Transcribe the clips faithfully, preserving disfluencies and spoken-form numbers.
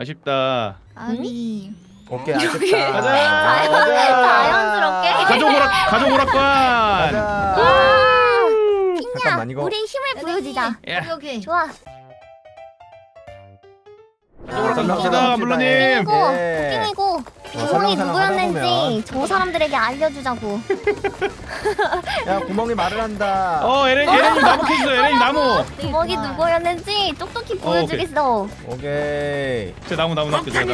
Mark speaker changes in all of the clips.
Speaker 1: 아쉽다.
Speaker 2: 아니.
Speaker 3: 오케이 아쉽다.
Speaker 1: 가자.
Speaker 4: 자연스럽게.
Speaker 1: 가족 오락 가족 오락관.
Speaker 3: 가자.
Speaker 4: 핑야,
Speaker 3: 잠깐만, 이거.
Speaker 4: 우리 힘을 보여주자.
Speaker 1: 예.
Speaker 2: 오케이 오케이.
Speaker 4: 좋아.
Speaker 1: 가족 오락관
Speaker 3: 아,
Speaker 1: 갑시다,
Speaker 3: 갑시다.
Speaker 1: 물러님.
Speaker 4: 핑이고,
Speaker 3: 예.
Speaker 4: 핑이고, 구멍이
Speaker 3: 설렁설렁
Speaker 4: 누구였는지
Speaker 3: 하다 보면.
Speaker 4: 저 사람들에게 알려주자고.
Speaker 3: 야 구멍이 말을 한다.
Speaker 1: 어, 에렌 에렌님 나무 캐주세요. 에렌님 나무.
Speaker 4: 구멍이 누구였는지 똑똑히 보여주겠어.
Speaker 3: 오케이.
Speaker 1: 제 나무 나무 나무 제 나무.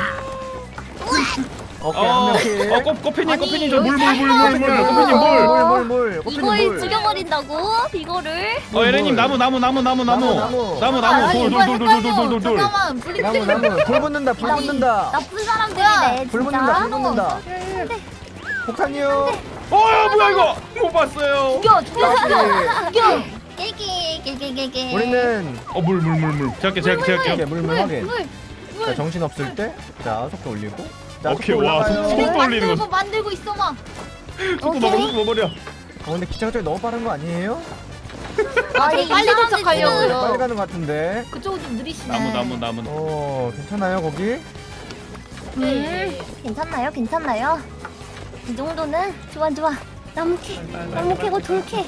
Speaker 3: 오케이
Speaker 1: 어,
Speaker 3: 한 명씩.
Speaker 1: 어, 꽃 꽃피님
Speaker 2: 아니,
Speaker 1: 꽃피님 저 물 물 물
Speaker 3: 꽃피님
Speaker 1: 물 물 꽃피님 물.
Speaker 3: 물물물.
Speaker 4: 이걸 죽여버린다고? 이거를?
Speaker 1: 어, 에렌님 나무 나무 나무 나무 나무
Speaker 3: 나무,
Speaker 1: 나무
Speaker 2: 아,
Speaker 1: 나무
Speaker 2: 아니,
Speaker 1: 돌 돌 돌 돌 돌 돌 돌.
Speaker 2: 잠깐만 불이
Speaker 3: 나무 나무 불 붙는다 불
Speaker 2: 아니,
Speaker 3: 붙는다.
Speaker 4: 나쁜 사람들이네,
Speaker 3: 불 붙는다 불
Speaker 4: 진짜.
Speaker 3: 붙는다. 폭탄이요.
Speaker 1: 어야 뭐야 이거 못 봤어요.
Speaker 2: 죽여 죽여 죽여 죽여.
Speaker 4: 깨기, 깨기, 깨기.
Speaker 3: 우리는
Speaker 1: 어 물 물 물 물. 제가 할게 제가 할게 제가
Speaker 3: 이렇게
Speaker 1: 할게요.
Speaker 3: 물물 확인.
Speaker 2: 물.
Speaker 3: 자 정신 없을 때, 자 속도 올리고. 자
Speaker 1: 오케이,
Speaker 3: 속도
Speaker 1: 와,
Speaker 3: 올라가요.
Speaker 1: 속도 올리는
Speaker 2: 만들고
Speaker 1: 거.
Speaker 2: 만들고 있어 막.
Speaker 1: 속도 먹어 속도 먹어버려.
Speaker 3: 어 근데 기차가 너무 빠른 거 아니에요?
Speaker 4: 아니,
Speaker 2: 빨리
Speaker 4: 이 사람들
Speaker 2: 도착하려고요.
Speaker 4: 지금
Speaker 3: 빨리 가는 것 같은데.
Speaker 2: 그쪽은 좀 느리시네.
Speaker 1: 나무 나무 나무.
Speaker 3: 어 괜찮아요 거기?
Speaker 4: 음, 괜찮나요? 괜찮나요? 이 정도는 좋아 좋아. 나무 캐, 나무 캐고 돌 캐.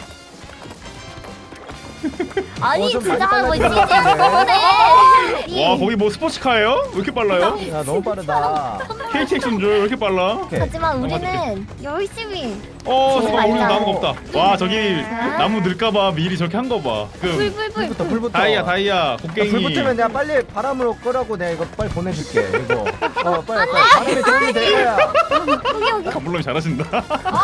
Speaker 4: 아니
Speaker 3: 어, 좀
Speaker 4: 진짜
Speaker 3: 많이
Speaker 4: 뭐
Speaker 3: 빨라진 것
Speaker 4: 진짜
Speaker 3: 같은데.
Speaker 1: 와 거기 뭐 스포츠카예요? 왜 이렇게 빨라요?
Speaker 3: 야 너무 빠르다.
Speaker 1: 케이티엑스인 줄 왜 이렇게 빨라?
Speaker 3: 오케이.
Speaker 4: 하지만 우리는 열심히
Speaker 1: 어 잠깐 우리
Speaker 4: 맞아.
Speaker 1: 나무가 없다. 와 저기 나무 늘까봐 미리 저렇게 한 거 봐. 그
Speaker 4: 불불불.
Speaker 3: 불부터 불부터.
Speaker 1: 다이아 다이아
Speaker 3: 야,
Speaker 1: 곡괭이.
Speaker 3: 불 붙으면 내가 빨리 바람으로 끄라고 내가 이거 빨리 보내줄게 이거. 어 빨리 빨리 바람이 들리면 될 거야.
Speaker 4: 여기 여기.
Speaker 1: 아, 물론 잘하신다.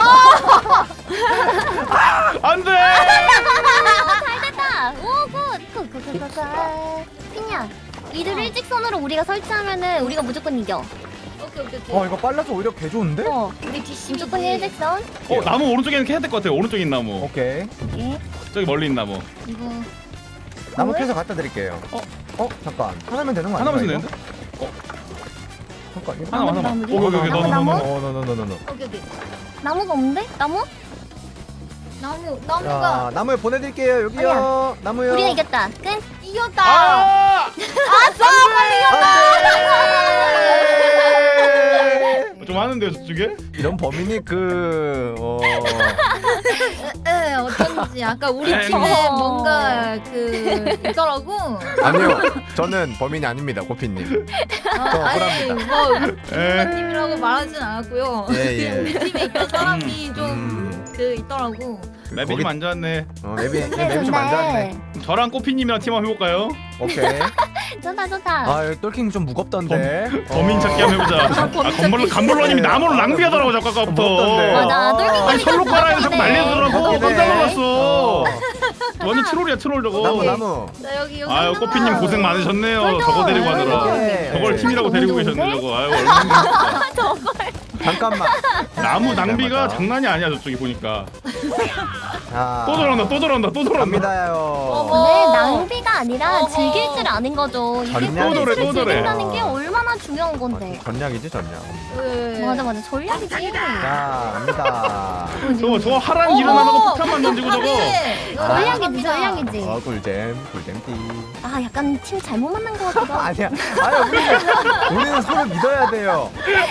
Speaker 1: 안돼.
Speaker 4: 잘 됐다. 오 굿. 굿굿굿굿. 핑야. 이들 일직선으로 우리가 설치하면은 우리가 무조건 이겨.
Speaker 2: 오케이 오케이 오케이.
Speaker 3: 어 이거 빨라서 오히려 개 좋은데?
Speaker 4: 어.
Speaker 2: 우리 뒷심
Speaker 4: 무조건 일직선.
Speaker 1: 어 나무 오른쪽에 있는 캐야 될 것 같아요. 오른쪽에 있는 나무.
Speaker 3: 오케이.
Speaker 4: 예.
Speaker 1: 저기 멀리 있는 나무.
Speaker 2: 이거
Speaker 3: 나무
Speaker 4: 뭘?
Speaker 3: 캐서 갖다 드릴게요.
Speaker 1: 어?
Speaker 3: 어 잠깐 하나면 되는 거 아니야?
Speaker 1: 하나만 쓰면
Speaker 3: 이거?
Speaker 1: 되는데?
Speaker 3: 잠깐 이거
Speaker 1: 하나만 하나만.
Speaker 4: 나무지?
Speaker 1: 오케이 오케이
Speaker 4: 나무,
Speaker 1: 너너
Speaker 4: 나무?
Speaker 1: 너.
Speaker 3: 어 너너너너너.
Speaker 2: 오케이 오케이.
Speaker 4: 나무가 없는데? 나무?
Speaker 2: 나무
Speaker 3: 자
Speaker 2: 나무가
Speaker 3: 나무에 보내드릴게요 여기요. 나무요.
Speaker 4: 우리가 이겼다. 끝.
Speaker 2: 이겼다.
Speaker 1: 아!
Speaker 2: 아싸 빨리
Speaker 3: 안돼.
Speaker 1: 좀 하는데요 저쪽에?
Speaker 3: 이런 범인이 그 어.
Speaker 2: 에 어쩐지 아까 우리
Speaker 1: 에,
Speaker 2: 팀에
Speaker 4: 어.
Speaker 2: 뭔가 그 있더라고.
Speaker 3: 아니요 저는 범인이 아닙니다 고피님.
Speaker 2: 어, 아니
Speaker 3: 억울합니다.
Speaker 2: 뭐
Speaker 1: 에.
Speaker 2: 팀이라고 말하진 않았고요.
Speaker 3: 예, 예.
Speaker 2: 우리 팀에 있던 사람이
Speaker 3: 음.
Speaker 2: 좀 그 있더라고.
Speaker 1: 맵이
Speaker 3: 거기-
Speaker 1: 좀 안 좋았네.
Speaker 3: 어 맵이
Speaker 4: 근데
Speaker 3: 맵이 좀 안 좋았네.
Speaker 1: 저랑 꼬피님이랑 팀 한번 해볼까요?
Speaker 3: 오케이.
Speaker 4: 좋다 좋다.
Speaker 3: 아 여기 똘킹 좀 무겁던데.
Speaker 1: 범인 찾기 한번 해보자. 아 건물로 간물러님이 나무를 낭비하더라고 자꾸 아까부터.
Speaker 3: 무겁던데.
Speaker 4: 맞아. 똘킹
Speaker 1: 아니 철로 깔아야 자꾸 날리더라고.
Speaker 3: 무겁긴
Speaker 1: 깜짝
Speaker 3: 해.
Speaker 1: 놀랐어. 완전 트롤이야 트롤 저거.
Speaker 3: 나무 나무.
Speaker 2: 나 여기 여기.
Speaker 1: 아유
Speaker 2: 하나.
Speaker 1: 꼬피님 고생 많으셨네요.
Speaker 4: 맞아.
Speaker 1: 저거 데리고 하느라.
Speaker 3: 네.
Speaker 1: 저걸 팀이라고 데리고
Speaker 4: 너무
Speaker 1: 계셨네
Speaker 4: 좋은데?
Speaker 1: 저거. 아유 얼마나 힘들었을까.
Speaker 3: 잠깐만.
Speaker 1: 나무 낭비가
Speaker 3: 맞아.
Speaker 1: 장난이 아니야 저쪽이 보니까.
Speaker 3: 자.
Speaker 1: 또 저런다 또 저런다 또 저런다.
Speaker 3: 갑니다요.
Speaker 2: 어머.
Speaker 4: 네, 낭비가 아니라
Speaker 2: 어머.
Speaker 4: 즐길 줄 아는 거죠. 이게
Speaker 3: 전략이지.
Speaker 1: 또 저래, 또
Speaker 4: 를
Speaker 1: 저래.
Speaker 4: 즐긴다는 게 얼마나 중요한 건데.
Speaker 3: 어, 전략이지 전략.
Speaker 2: 네.
Speaker 4: 맞아 맞아 전략이지.
Speaker 3: 자 갑니다.
Speaker 1: 저거 저거 하란 일은 안 하고 폭탄만 던지고 저거.
Speaker 4: 전략이지 전략이지.
Speaker 3: 어 꿀잼 꿀잼띠.
Speaker 4: 아 약간 팀 잘못 만난 것 같기도 하고.
Speaker 3: 아니야. 아니야 우리는 우리는 서로 믿어야 돼요.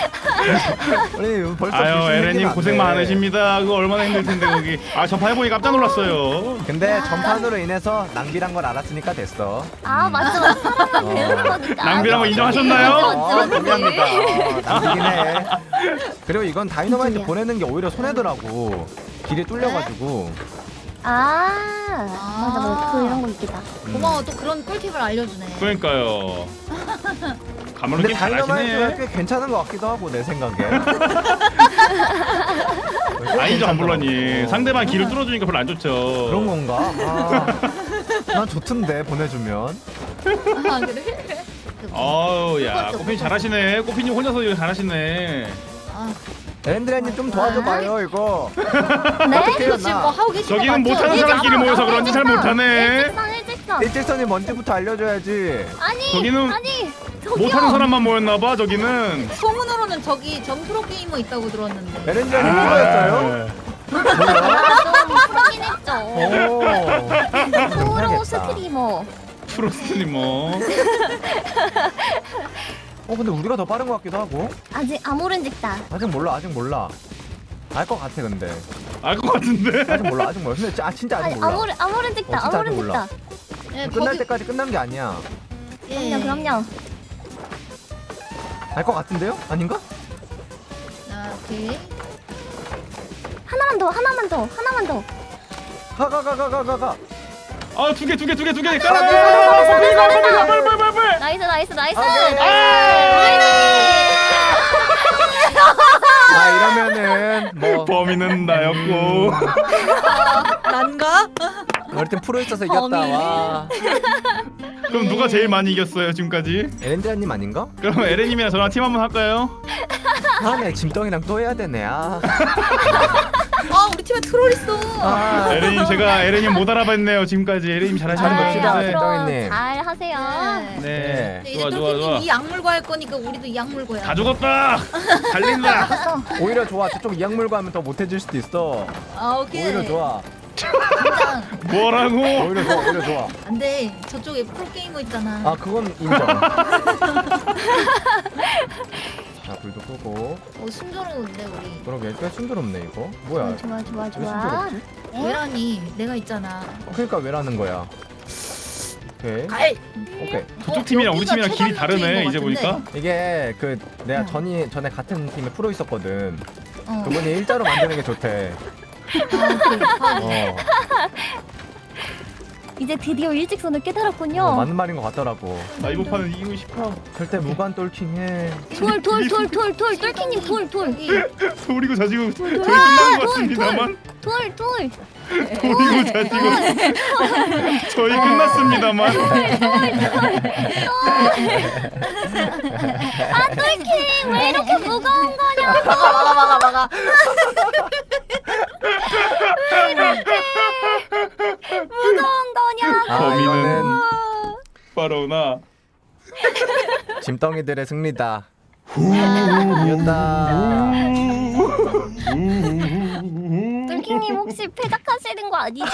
Speaker 3: 우리 벌써
Speaker 1: 아유
Speaker 3: 불신
Speaker 1: 에레님
Speaker 3: 생기면 안
Speaker 1: 고생
Speaker 3: 돼.
Speaker 1: 많으십니다. 그거 얼마나 힘들 텐데 거기. 아 전파해보니 깜짝 놀랐어요.
Speaker 3: 근데 전판으로 인해서 낭비란 걸 알았으니까 됐어.
Speaker 4: 아 맞죠. 사람만
Speaker 3: 어.
Speaker 4: 배우는 거니까.
Speaker 1: 낭비란 거 인정하셨나요?
Speaker 3: 어,
Speaker 4: 맞지, 맞지.
Speaker 3: 동의합니다. 어, 낭비긴 해. 그리고 이건 다이너마이트
Speaker 4: 진짜야.
Speaker 3: 보내는 게 오히려 손해더라고. 길이 뚫려가지고.
Speaker 4: 아 맞아 맞아 그 이런 거 있겠다.
Speaker 2: 고마워 또 그런 꿀팁을 알려주네.
Speaker 1: 그러니까요. 가물로
Speaker 3: 근데
Speaker 1: 게임
Speaker 3: 다이너마이트가
Speaker 1: 잘하시네.
Speaker 3: 꽤 괜찮은 것 같기도 하고 내 생각에.
Speaker 1: 아니죠 안불러니.
Speaker 3: 어.
Speaker 1: 상대방 길을 뚫어주니까 별로 안 좋죠.
Speaker 3: 그런 건가? 아, 난 좋던데 보내주면.
Speaker 2: 아 그래?
Speaker 1: 어우 야
Speaker 2: 그것도,
Speaker 1: 꼬피님
Speaker 2: 그것도.
Speaker 1: 잘하시네. 꼬피님 혼자서 이거 잘하시네.
Speaker 2: 아,
Speaker 3: 에렌드레님 좀 도와줘봐요 이거.
Speaker 4: 네?
Speaker 3: 어떻게 해요
Speaker 2: 지금 뭐
Speaker 3: 나?
Speaker 2: 하고 계신 거
Speaker 1: 저기는
Speaker 2: 맞죠?
Speaker 1: 못하는
Speaker 2: 이게
Speaker 1: 사람끼리
Speaker 2: 나무,
Speaker 1: 모여서
Speaker 2: 나무
Speaker 1: 그런지 잘
Speaker 2: 일직선.
Speaker 1: 못하네.
Speaker 4: 일직선 일직선.
Speaker 3: 일직선이 뭔지부터 알려줘야지.
Speaker 4: 아니
Speaker 1: 저기는
Speaker 4: 아니 저기요.
Speaker 1: 못하는 사람만 모였나봐 저기는.
Speaker 2: 소문으로는 저기 전 프로 게이머 있다고 들었는데.
Speaker 3: 에렌드레님
Speaker 1: 아,
Speaker 3: 누구였어요?
Speaker 4: 좀 프로긴 했죠.
Speaker 3: 오.
Speaker 4: 프로 스트리머.
Speaker 1: 프로스트리머.
Speaker 3: 어 근데 우리가 더 빠른 것 같기도 하고.
Speaker 4: 아직 아무런 직다.
Speaker 3: 아직 몰라 아직 몰라. 알 것 같아 근데.
Speaker 1: 알 것 같은데.
Speaker 3: 아직 몰라 아직 몰라. 근데 아 진짜 아직
Speaker 4: 아니
Speaker 3: 몰라.
Speaker 4: 아무런 아무런 직다.
Speaker 3: 어, 진짜
Speaker 4: 아무런
Speaker 3: 아직 몰라.
Speaker 4: 직다.
Speaker 2: 예,
Speaker 3: 끝날
Speaker 2: 거기-
Speaker 3: 때까지 끝난 게 아니야.
Speaker 2: 예.
Speaker 4: 그럼요 그럼요.
Speaker 3: 알 것 같은데요? 아닌가?
Speaker 2: 아, 오케이.
Speaker 4: 하나만 더 하나만 더 하나만 더.
Speaker 3: 가 가 가 가 가 가 가.
Speaker 1: 아두 개 두 개 두 개 두 개.
Speaker 3: 가,
Speaker 1: 깔아.
Speaker 3: 가, 가, 가, 가, 가, 가, 가.
Speaker 1: 빨빨빨빨빨.
Speaker 4: 나이스 나이스 나이스.
Speaker 3: 아 이러면은 뭐
Speaker 1: 범인은 나였고.
Speaker 2: 난가?
Speaker 3: 어릴 땐 프로 있어서 이겼다.
Speaker 2: 범인.
Speaker 3: 와.
Speaker 1: 그럼 누가 제일 많이 이겼어요 지금까지?
Speaker 3: 에렌드라님 아닌가?
Speaker 1: 그럼 에렌님이랑 저랑 팀 한번 할까요?
Speaker 3: 아네 짐덩이랑 또 해야 되네. 아.
Speaker 2: 아, 우리 팀에 트롤 있어.
Speaker 3: 아.
Speaker 1: 에렌님 제가 에렌님 못 알아봤네요 지금까지. 에렌님 잘하시는
Speaker 3: 잘
Speaker 1: 거
Speaker 3: 봅시다,
Speaker 1: 같은데.
Speaker 3: 김정희님.
Speaker 4: 잘 하세요.
Speaker 2: 네.
Speaker 1: 네.
Speaker 2: 근데
Speaker 1: 좋아
Speaker 2: 이제
Speaker 1: 좋아 좋아.
Speaker 2: 똘끼님 이 약물고 할 거니까 우리도 이 약물고야.
Speaker 1: 다 죽었다. 달린다.
Speaker 3: 오히려 좋아. 저쪽 이약물고 하면 더 못해질 수도 있어.
Speaker 2: 아, 오케이.
Speaker 3: 오히려 좋아.
Speaker 2: 진짜
Speaker 1: 뭐라고?
Speaker 3: 오히려 좋아. 오히려 좋아.
Speaker 2: 안 돼. 저쪽에 프로게이머 있잖아.
Speaker 3: 아 그건 인정. 자 불도 끄고.
Speaker 2: 어, 순조로운데 우리.
Speaker 3: 그러게 꽤 순조롭네 이거. 뭐야?
Speaker 4: 좋아 좋아
Speaker 3: 왜
Speaker 4: 좋아.
Speaker 3: 순조롭지?
Speaker 2: 왜라니? 내가 있잖아.
Speaker 3: 어, 그러니까 왜라는 거야? 오케이.
Speaker 2: 갈.
Speaker 3: 오케이.
Speaker 1: 저쪽 팀이랑 우리
Speaker 2: 여기가
Speaker 1: 팀이랑 길이
Speaker 2: 최단
Speaker 1: 다르네
Speaker 2: 문제인
Speaker 1: 이제
Speaker 2: 것
Speaker 1: 보니까.
Speaker 2: 같은데?
Speaker 3: 이게 그 내가
Speaker 2: 어.
Speaker 3: 전이 전에 같은 팀에 프로 있었거든.
Speaker 2: 어.
Speaker 3: 그분이 일자로 만드는 게 좋대.
Speaker 2: 아, 오케이. 확인.
Speaker 3: 어,
Speaker 4: 이제 드디어 일직선을 깨달았군요.
Speaker 3: 어 맞는 말인 것 같더라고.
Speaker 1: 나 이번 판은 이기고 싶어.
Speaker 3: 절대 무관 똘킹해.
Speaker 4: 돌 돌 돌 돌 돌 똘끼님 돌 돌
Speaker 2: 여기.
Speaker 1: 소리고 자지고 저희 끝난 것 같습니다만.
Speaker 4: 돌 돌.
Speaker 1: 소리고 자지고 저희 끝났습니다만.
Speaker 4: 아 똘끼 왜 이렇게 무거운 거냐?
Speaker 2: 막아 막아 막아 막아.
Speaker 4: 무거운 거냐?
Speaker 3: 아
Speaker 1: 범인은
Speaker 3: 이거는
Speaker 1: 바로 나.
Speaker 3: 짐덩이들의 승리다. 이겼다.
Speaker 4: 똘끼님 혹시 패작하시는 거 아니죠?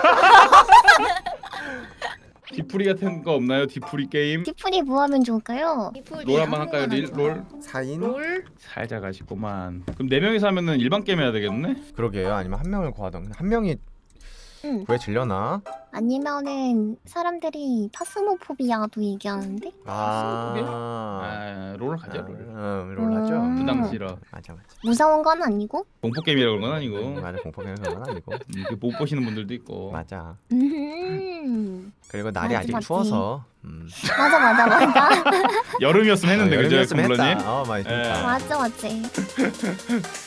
Speaker 1: 디프리 같은 거 없나요? 디프리 게임?
Speaker 4: 디프리 뭐 하면 좋을까요?
Speaker 1: 롤 한번 할까요? 릴, 롤?
Speaker 3: 사인?
Speaker 2: 롤?
Speaker 1: 살짝 아쉽구만. 그럼 네 명이서 하면은 일반 게임 해야 되겠네?
Speaker 3: 그러게요. 아니면 한 명을 구하던. 한 명이
Speaker 4: 응.
Speaker 3: 왜 질려나?
Speaker 4: 아니면은 사람들이 파스모포비아도 얘기하는데?
Speaker 3: 아,
Speaker 1: 아, 롤 하자 롤.
Speaker 3: 음, 롤하죠.
Speaker 4: 음.
Speaker 1: 부담 싫어.
Speaker 3: 맞아 맞아.
Speaker 4: 무서운 건 아니고?
Speaker 1: 공포 게임이라고 그런 건 아니고.
Speaker 3: 음, 맞아 공포게임 그건 아니고.
Speaker 1: 음, 이렇게 못 보시는 분들도 있고.
Speaker 3: 맞아.
Speaker 4: 음.
Speaker 3: 그리고 날이
Speaker 4: 맞지,
Speaker 3: 아직
Speaker 4: 맞지.
Speaker 3: 추워서. 음.
Speaker 4: 맞아 맞아 맞아.
Speaker 1: 여름이었으면 했는데
Speaker 3: 어,
Speaker 1: 그죠,
Speaker 3: 여름이었으면
Speaker 1: 컴블러님?
Speaker 3: 했다. 어, 맞아.
Speaker 1: 예.
Speaker 4: 맞아 맞지.